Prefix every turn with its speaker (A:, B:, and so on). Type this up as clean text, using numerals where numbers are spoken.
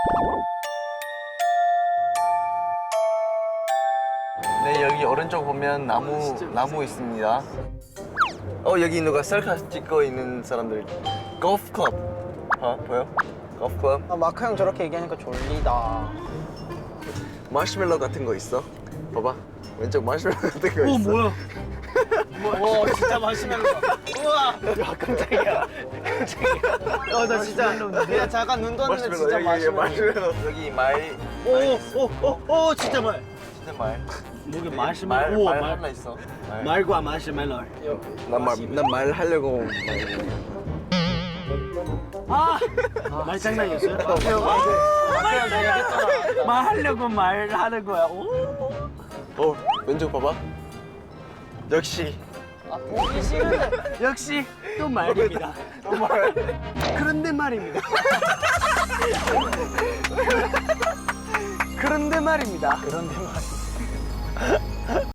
A: 네, 여기 오른쪽 보면 나무 있습니다. 여기 누가 셀카 찍고 있는 사람들. 골프 클럽. 보여? 골프 클럽.
B: 아, 마크 형 저렇게 얘기하니까 졸리다.
A: 마시멜로 같은 거 있어? 봐봐. 왼쪽 마시멜로 같은 거 있어.
B: 뭐야? 와, 진짜 마시멜로다. 우와. 야, 깜짝이야. 깜짝이야. 나 진짜 그냥 잠깐 눈 떴는데 진짜
A: 여기
B: 마시멜로.
A: 여기 말 있어.
B: 오, 진짜 말.
A: 진짜 말.
C: 뭐게
A: 말 하나 있어.
C: 말과 마시멜로.
A: 난말 하려고.
C: 말장난이었어요?
B: 마크 형 얘기했잖아.
C: 말하려고 말하는 거야. 오.
A: 왼쪽 봐봐. 역시.
B: 보기 싫은데.
C: 역시 또 말입니다.
A: 말.
C: 그런데 말입니다.
B: 그런데 말입니다.
C: 그런데 말입니다.